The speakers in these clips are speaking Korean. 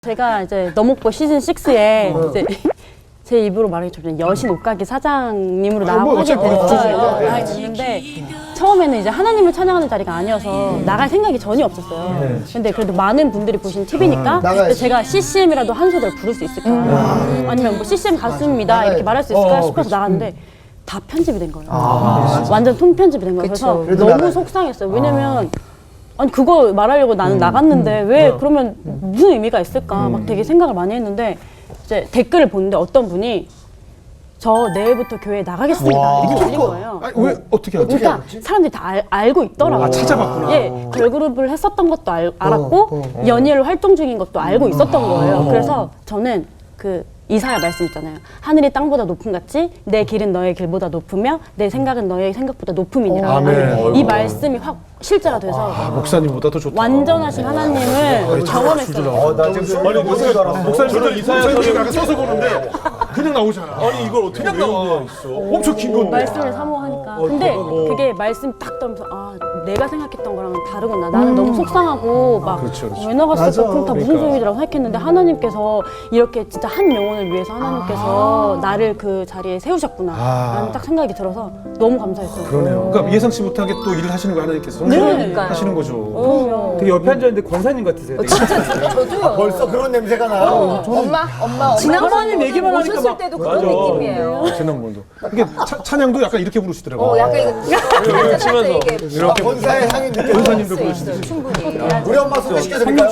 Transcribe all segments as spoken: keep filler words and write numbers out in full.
제가 이제 너목보 시즌 식스에 어. 이제 제 입으로 말하기 좀 여신 옷가게 사장님으로 아, 뭐 나가게 됐어요. 네. 나가게 됐는데 처음에는 이제 하나님을 찬양하는 자리가 아니어서 음. 나갈 생각이 전혀 없었어요. 네. 근데 그래도 많은 분들이 보신 티비니까 아, 제가 씨씨엠이라도 한 소절 부를 수 있을까? 음. 아니면 뭐 씨씨엠 가수입니다 맞아. 이렇게 말할 수 있을까 어, 싶어서 그치. 나갔는데 다 편집이 된 거예요. 아, 완전 통편집이 된 거예요. 그쵸. 그래서 너무 나가요. 속상했어요. 왜냐면 아. 아니 그거 말하려고 나는 음, 나갔는데 음, 왜 어. 그러면 무슨 의미가 있을까 음. 막 되게 생각을 많이 했는데 이제 댓글을 보는데 어떤 분이 저 내일부터 교회에 나가겠습니다 이렇게 올린 거예요. 아니, 왜 어떻게 알지? 그러니까 사람들이 다 알, 알고 있더라고요. 아, 찾아봤구나. 예, 걸그룹을 했었던 것도 알, 알았고 어, 어, 어. 연예를 활동 중인 것도 알고 있었던 거예요. 그래서 저는 그 이사야 말씀 있잖아요. 하늘이 땅보다 높음 같이 내 길은 너의 길보다 높으며 내 생각은 너의 생각보다 높음이니라. 아멘. 이 말씀이 확 실제가 돼서 아, 목사님보다 더 좋다. 완전하신 하나님을 경험했어요. 어, 나 지금 아니 목사님 목사님 이사야 목사님 약간 써서 보는데 그냥 나오잖아. 아니 이걸 어떻게 그냥 나와. 엄청 긴 건데. 말씀을 사모하니까. 근데 그게 말씀 딱 떠면서 아 내가 생각했던 거랑은 다르구나. 나는 너무 속상하고 막 왜 나갔을까? 그럼 다 무슨 소용이라고 생각했는데 하나님께서 이렇게 진짜 한 영혼을 위해서 하나님께서 나를 그 자리에 세우셨구나 라는 딱 생각이 들어서 너무 감사했어요. 그러네요. 그러니까 예상치 못하게 또 일을 하시는 거 하나님께서 네. 하시는 거죠. 그럼요. 되게 옆에 앉았는데 권사님 같으세요. 어, 진짜 저도요. 벌써 그런 냄새가 나요. 어, 엄마, 엄마, 엄마. 지난번에 얘기만 하니까 오셨을 막- 때도 맞아. 그런 느낌이에요. 지난번도. 이게 차, 찬양도 약간 이렇게 부르시더라고요. 어, 약간 이거 치면서 이게 이렇게 본사의 향이 느껴져. 권사님도 부르시듯이. 충분히. 우리 엄마 소개시켜드릴까요?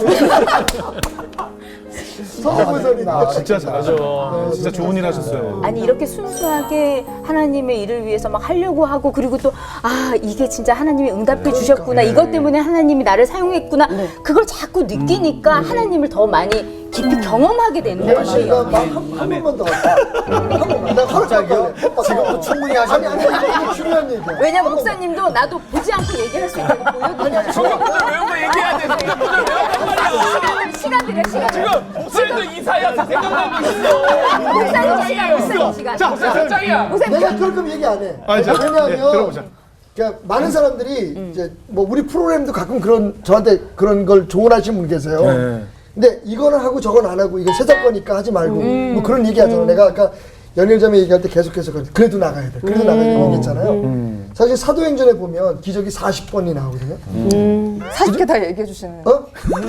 아, 진짜 잘하죠. 진짜 좋은 일 하셨어요. 아니 이렇게 순수하게 하나님의 일을 위해서 막 하려고 하고 그리고 또 아 이게 진짜 하나님이 응답해 주셨구나 이것 때문에 하나님이 나를 사용했구나 그걸 자꾸 느끼니까 하나님을 더 많이 깊이 경험하게 되는 혜연 씨가 거예요. 막한 번만 더 할까? 한 번만. 나 갑자기요? 지금도 충분히 하셨는데. 아니, 아니, 이게 중요한 얘기야. 왜냐면 목사님도 나도 보지 않고 얘기할 수 있다고 보여드려요. 성경부터 외운 거 얘기해야 돼. 성경부터 외웠단 말이야. 시간 드려 시간. 지금 목사님도 이사야 다 생각나고 있어. 목사님 시간 목사님 시간. 자, 목사 짱이야. 목사님 내가 그럴 거면 얘기 안 해. 아, 자, 왜냐면 네, 들어보자. 그러니까 많은 사람들이 이제 뭐 우리 프로그램도 가끔 그런 저한테 그런 걸 조언하시는 분 계세요. 네. 근데 이거는 하고 저건 안 하고 이게 세상 거니까 하지 말고 뭐 그런 얘기 하잖아. 내가 아까 연일점에 얘기할 때 계속해서 그래. 그래도 나가야 돼. 그래도 나가야 돼. 얘기했잖아요. 사실 사도행전에 보면 기적이 사십 번이 나오거든요. 사십 개 다 얘기해 주시는. 어?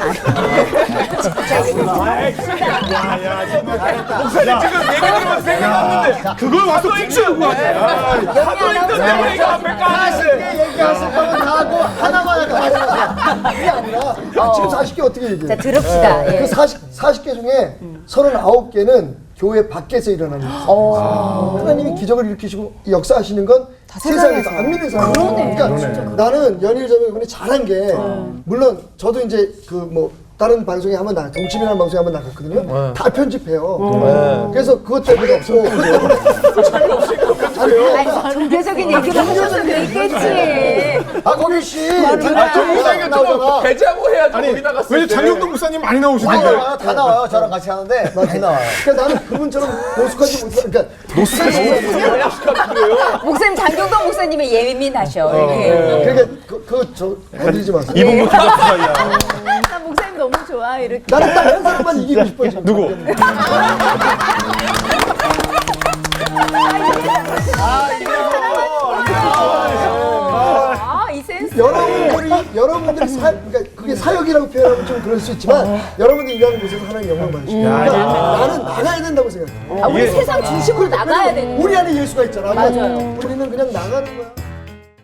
목사님 지금 얘기 들으면 생각났는데 그걸 와서 훔치는 거야. 사도행전 내용이가 백과사십 얘기하실 거면 다 하고 하나만 할까 하나. 그게 아니라 아, 지금 사십 개 어떻게 얘기해? 자 들읍시다. 예. 그 사십, 사십 개 중에 서른아홉 개는 교회 밖에서 일어나는 거예요. 하나님이 기적을 일으키시고 역사하시는 건 세상에서 안 믿는 사람. 그러니까 나는 연일점에 이번에 잘한 게 물론 저도 이제 그 뭐 다른 방송에 한번 나 동치미라는 방송에 한번 나갔거든요. 다 편집해요. 그래서 그것 때문에 없고 아니, 종교적인 얘기를 하셔서 그랬겠지. 아 거기 씨 목사님이 조금 배제하고 해야지 거기 나갔을 왜 때. 장영동 목사님 많이 다 나오시는데? 나와요. 다 나와요. 저랑 같이 하는데 많이 나와요. 그러니까 나는 그분처럼 노숙하지 못해. 그러니까 목사님 장경동 목사님의 예민하셔. 이렇게. 그러니까 그저 건드리지 마세요. 이분 못해 사이야. 나 목사님 너무 좋아 이렇게. 나는 딱 한 사람만 이기고 싶어 지금. 누구? 아이 센스. 여러분들이 여러분들이 사 그러니까 그게 사역이라고 표현하면 좀 그럴 수 있지만 여러분들이 일하는 곳에서 하나님 영광 받으시고 그러니까 나는 나가야 된다고 생각해. 아, 우리 세상 중심으로 나가야 되는. 우리 안에 예수가 있잖아. 맞아요. 우리는 그냥 나가는 거야.